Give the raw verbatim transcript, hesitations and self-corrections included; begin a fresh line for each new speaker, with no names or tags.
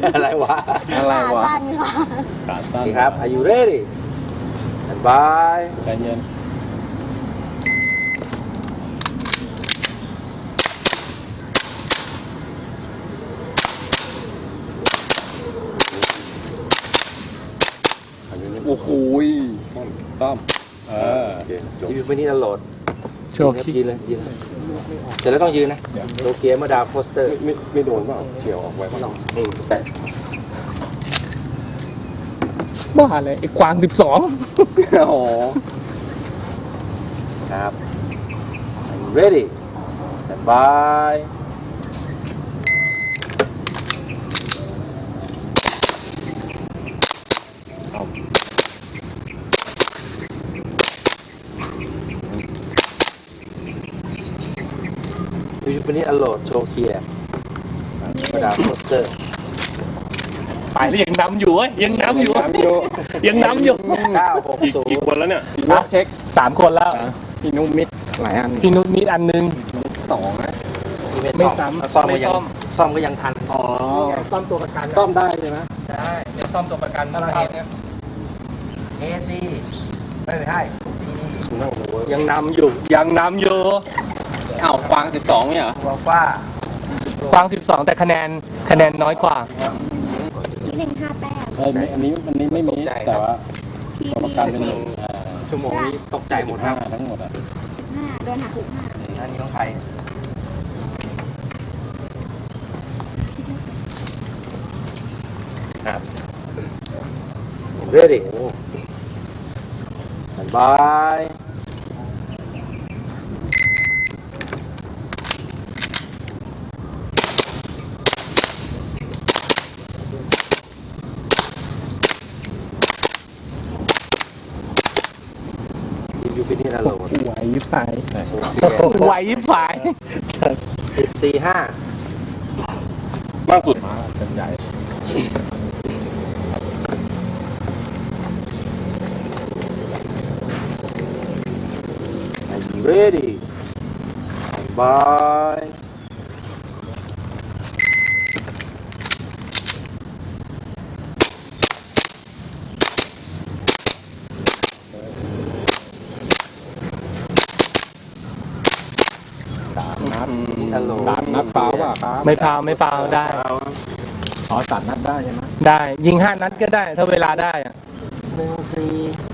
อะไรวะ
อะไรวะ
ขาสั้นค่ะ
ขาสั้น
นี่ครับ Are you ready and bye
ใจเย็นโอ้โหซ่อมซ่อมเออโอเคจบ
ยืนไปนี่นะโหลด
โชว์ขี้
ยืนเลยยืนเลยเสร็จแล้วต้องยืนนะโตเกียวมาดาวโพสเตอร์
ไม่ไม่โดนเปล่าเฉียวออกไว้เปล่า
นี่แต่
บ้าเลยไอ้กวางสิบสอง
โอ้
ครับ Are you ready and bye ยูปนิอโหลดโชว์เคียร์มาดามโปสเตอร์
ไปแล้วยังนำอยู่เว้ยยังนำอยู่
น้ำอยู่
ยังนำอยู่
เก้าหก
อีก
ศูน
กี่
ย์
คนแล้วเนี่ย
ล็อกเช็ค
สามคนแล้ว
พี่นุ่มมิดหลายอัน
พี่นุชมีอันนึง
สองนะ
ไม่
ไม่
ซ่อม
ซ้ำ
ซ่อม
ไม่
ก็ยั
ซ่
ง
อม
ซ่อมก็ยังทัน
อ๋อ
ซ่อมตัวประกัน
ซ่อมได้ใช่ไหม
ใช่เป็นซ่อมตัวประกัน
ถ้าเราเห็นเอซีไม่ใช่
นั่งดูเว้ย
ยังนำอยู่ยังนำอยู่
อ้าวควางสิบสองเนี่ยเหรอ
ตัวฟ้าก
วางสิบสองแต่คะแนนคะแนนน้อยกว่า
ที่หนึ่งห้าแต้ม
เอ้ยไม่อันนี้อันนี้ไม่มีแต่ว่า
ที่
ตัวประกันเป็นหนึ่งอ่า
ชั่วโมงนี้ตกใจหมดค
ห้า
รับ
ทั้งหมดอ่ะ
ห้าโดนหักหกห้า
อันนี้ต้องใครครับ ready and bye ยูฟินิอโหลด
ไหวยิบหาย
โอเค
ไหวยิบหาย
สิบสี่ห้าม
ากสุดมาเป็นใหญ่
Are you ready and bye
นัด
ฮัลโหล
สามนัดเปล่าป่ะครับ
ไม่พาวไม่พาวได้
อ๋อสามนัดได้ใช่ไหม
ได้ยิงห้านัดก็ได้ถ้าเวลาได้อะ
หนึ่งสี่